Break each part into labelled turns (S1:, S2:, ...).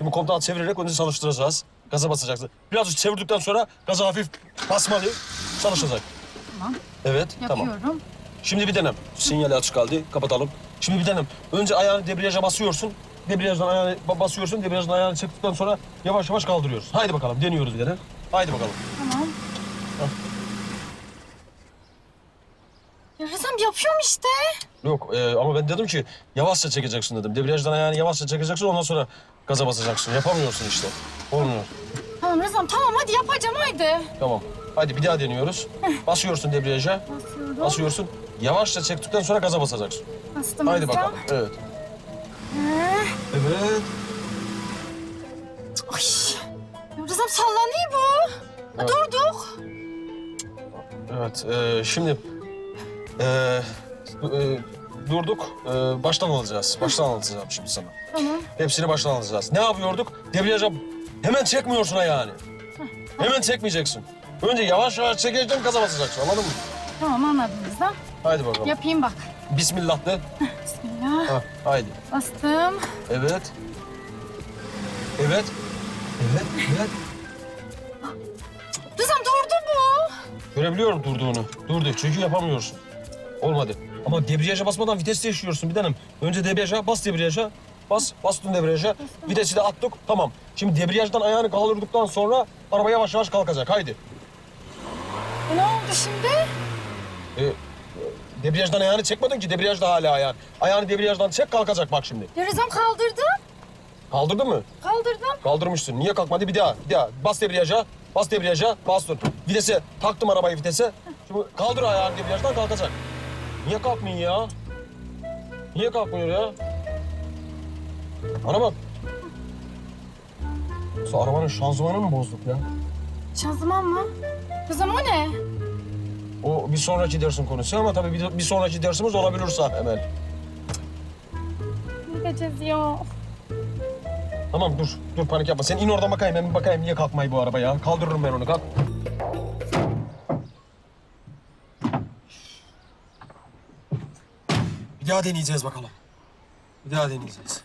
S1: Şimdi kontağı çevirerek önce çalıştıracağız. Gaza basacaksın. Birazcık çevirdikten sonra gaza hafif basmalı. Çalışacak.
S2: Tamam.
S1: Evet, tamam.
S2: Yapıyorum.
S1: Şimdi bir denem. Sinyali açık kaldı. Kapatalım. Şimdi bir denem. Önce ayağını debriyaja basıyorsun. Debriyajdan ayağını basıyorsun. Debriyajdan ayağını çektikten sonra yavaş yavaş kaldırıyoruz. Haydi bakalım. Deniyoruz bir denem. Haydi bakalım.
S2: Tamam. Ya Rızam yapıyorum işte.
S1: Yok ama ben dedim ki yavaşça çekeceksin dedim. Debriyajdan ayağını yavaşça çekeceksin ondan sonra gaza basacaksın. Yapamıyorsun işte. Olmuyor.
S2: Tamam Rızam tamam hadi yapacağım haydi.
S1: Tamam. Hadi bir daha deniyoruz. Basıyorsun debriyaja.
S2: Basıyorum.
S1: Basıyorsun. Yavaşça çektikten sonra gaza basacaksın.
S2: Bastım
S1: Haydi
S2: Rızam.
S1: bakalım. Evet. Evet.
S2: Ay. Ya Rızam sallanıyor bu.
S1: Evet.
S2: Durduk.
S1: Evet. Şimdi durduk. Baştan alacağız. Baştan alacağım şimdi sana.
S2: Tamam.
S1: Hepsini baştan alacağız. Ne yapıyorduk? Debriyaja hemen çekmiyorsun ayağını. Hemen çekmeyeceksin. Önce yavaş yavaş çekeceksin, gaza basacaksın. Anladın mı?
S2: Tamam anladım Rızam.
S1: Haydi bakalım.
S2: Yapayım bak.
S1: Bismillah de.
S2: Bismillah.
S1: Ha, haydi.
S2: Bastım.
S1: Evet. Evet. Evet, evet.
S2: Rızam durdu bu.
S1: Görebiliyorum durduğunu. Durdu çünkü yapamıyorsun. Olmadı. Ama debriyaja basmadan vites değiştiriyorsun bir tanem. Önce debriyaja, bas debriyaja. Bastın debriyaja. Vitesi de attık. Tamam. Şimdi debriyajdan ayağını kaldırdıktan sonra araba yavaş yavaş kalkacak. Haydi.
S2: Ne oldu şimdi?
S1: Debriyajdan ayağını çekmedin ki. Debriyajda hala ayağın. Ayağını debriyajdan çek kalkacak bak şimdi.
S2: Ya Rızam kaldırdım.
S1: Kaldırdın mı?
S2: Kaldırdım.
S1: Kaldırmışsın. Niye kalkmadı? Bir daha. Bas debriyaja. Bas debriyaja. Bastın. Vitese. Taktım arabayı vitese. Şimdi kaldır ayağını debriyajdan kalkacak. Niye kalkmıyor ya? Niye kalkmıyor ya? Bana bak. Yoksa arabanın şanzımanını mı bozduk ya?
S2: Şanzıman mı? Rızam o ne?
S1: O bir sonraki dersin konusu ama tabii bir sonraki dersimiz olabilirse Emel.
S2: Ne diyeceğiz ya?
S1: Tamam dur panik yapma. Sen in oradan bakayım, ben bir bakayım niye kalkmayı bu araba ya. Kaldırırım ben onu, kalk. Bir daha deneyeceğiz bakalım. Bir daha deneyeceğiz.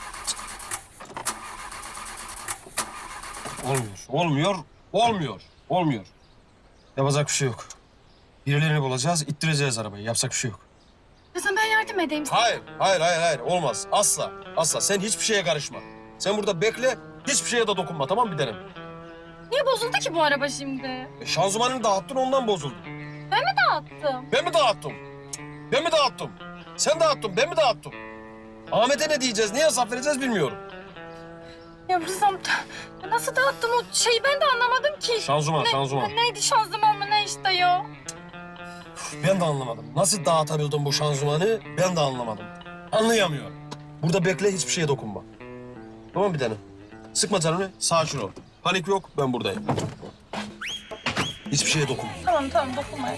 S1: Olmuyor. Yapacak bir şey yok. Birilerini bulacağız, ittireceğiz arabayı. Yapacak bir şey yok.
S2: Rızam ben yardım edeyim sana.
S1: Hayır. Olmaz. Asla. Sen hiçbir şeye karışma. Sen burada bekle, hiçbir şeye de dokunma. Tamam mı bir tanem?
S2: Niye bozuldu ki bu araba şimdi?
S1: Şanzımanını dağıttın, ondan bozuldu.
S2: Ben mi dağıttım?
S1: Ben mi dağıttım? Sen dağıttın, ben mi dağıttım? Ahmet'e ne diyeceğiz, ne hesap vereceğiz bilmiyorum.
S2: Ya Rızam nasıl dağıttım o şeyi ben de anlamadım ki.
S1: Şanzıman.
S2: Neydi şanzıman mı ne işte ya?
S1: Ben de anlamadım. Nasıl dağıtabildim bu şanzımanı ben de anlamadım. Anlayamıyorum. Burada bekle, hiçbir şeye dokunma. Tamam bir tanem? Sıkma canını, sakin ol. Panik yok, ben buradayım. Hiçbir şeye dokunma.
S2: Tamam dokunmayın.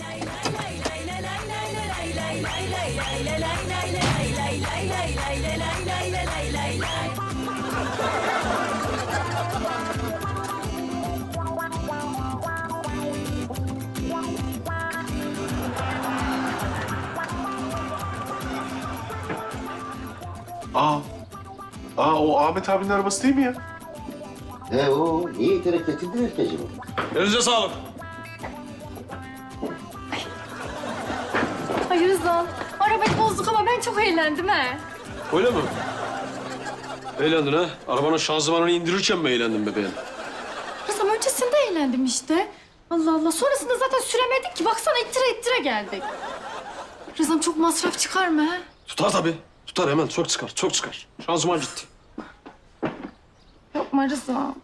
S3: O Ahmet abinin arabası değil mi ya?
S4: O niye iterek getirdin ki acaba?
S1: Elinize sağlık.
S2: Ay Rızam arabayı bozduk ama ben çok eğlendim he.
S1: Öyle mi? Eğlendin ha? Arabanın şanzımanını indirirken mi eğlendin bebeğim?
S2: Rızam öncesinde eğlendim işte. Allah Allah sonrasında zaten süremedik ki. Baksana ittire geldik. Rızam çok masraf çıkar mı he?
S1: Tutar tabii. Tutar hemen. Çok çıkar. Şanzıman gitti.
S2: Yapma Rızam.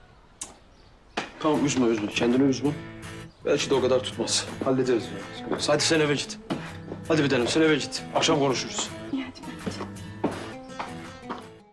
S1: Tamam üzme. Kendini üzme. Belki de o kadar tutmaz. Hallederiz. Hadi sen eve git. Hadi bir tanem sen eve git. Akşam konuşuruz.